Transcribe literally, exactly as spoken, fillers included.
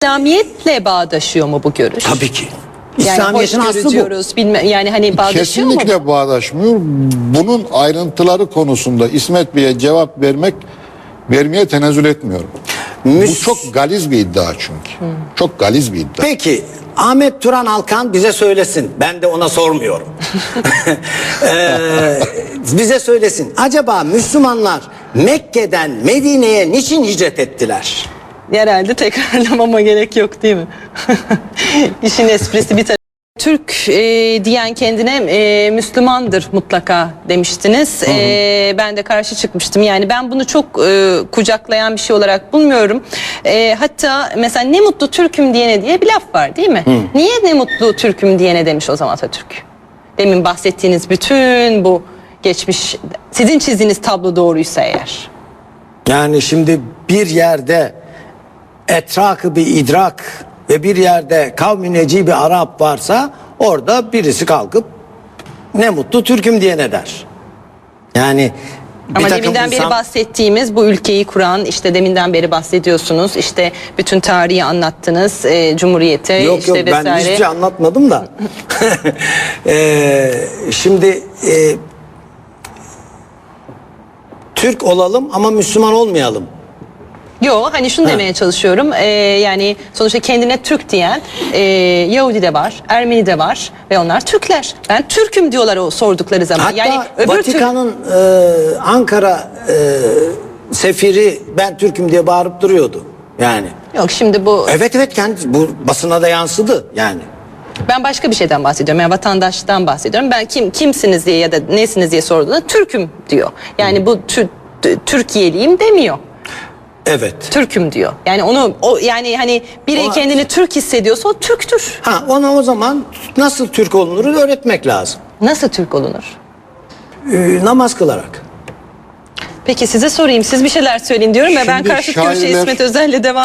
İslamiyetle bağdaşıyor mu bu görüş? Tabii ki. Yani İslamiyet'in aslı bu. diyoruz, bilme, yani hani bağdaşıyor mu? Kesinlikle bağdaşmıyor. Bunun ayrıntıları konusunda İsmet Bey'e cevap vermek vermeye tenezzül etmiyorum. Müs- Bu çok galiz bir iddia çünkü. Hmm. Çok galiz bir iddia. Peki Ahmet Turan Alkan bize söylesin. Ben de ona sormuyorum. Ee, bize söylesin. Acaba Müslümanlar Mekke'den Medine'ye niçin hicret ettiler? Herhalde tekrarlamama gerek yok değil mi? İşin esprisi bir tarafı. Türk e, diyen kendine e, Müslümandır mutlaka demiştiniz. E, ben de karşı çıkmıştım. Yani ben bunu çok e, kucaklayan bir şey olarak bulmuyorum. E, hatta mesela ne mutlu Türk'üm diyene diye bir laf var değil mi? Hı. Niye ne mutlu Türk'üm diyene demiş o zaman Atatürk? Demin bahsettiğiniz bütün bu geçmiş, sizin çizdiğiniz tablo doğruysa eğer. Yani şimdi bir yerde etrakı bir idrak ve bir yerde kavmi neci bir Arap varsa orada birisi kalkıp ne mutlu Türk'üm diye ne der. Yani bir Ama takım deminden beri insan- bahsettiğimiz bu ülkeyi kuran, işte deminden beri bahsediyorsunuz, işte bütün tarihi anlattınız, e, Cumhuriyete Yok işte yok ben vesaire. hiçbir şey anlatmadım da. Ee, şimdi e, Türk olalım ama Müslüman olmayalım. Yo, hani şunu demeye çalışıyorum, e, yani sonuçta kendine Türk diyen e, Yahudi de var, Ermeni de var ve onlar Türkler. Ben Türk'üm diyorlar o sordukları zaman. Hatta yani öbür Türk... Vatikan'ın e, Ankara e, sefiri ben Türk'üm diye bağırıp duruyordu. Yani. Yok şimdi bu... Evet evet kendi bu basına da yansıdı yani. Ben başka bir şeyden bahsediyorum. Yani vatandaştan bahsediyorum. Ben kim kimsiniz diye ya da nesiniz diye sorduğunda Türk'üm diyor. Yani bu tü, tü, Türkiye'liyim demiyor. Evet. Türk'üm diyor. Yani onu o yani hani biri Ona- kendini Türk hissediyorsa o Türktür. Ha ona o zaman nasıl Türk olunur öğretmek lazım. Nasıl Türk olunur? Ee, namaz kılarak. Peki size sorayım. Siz bir şeyler söyleyin diyorum ve ben Şimdi karşıt görüşe şairler- İsmet Özel'le devam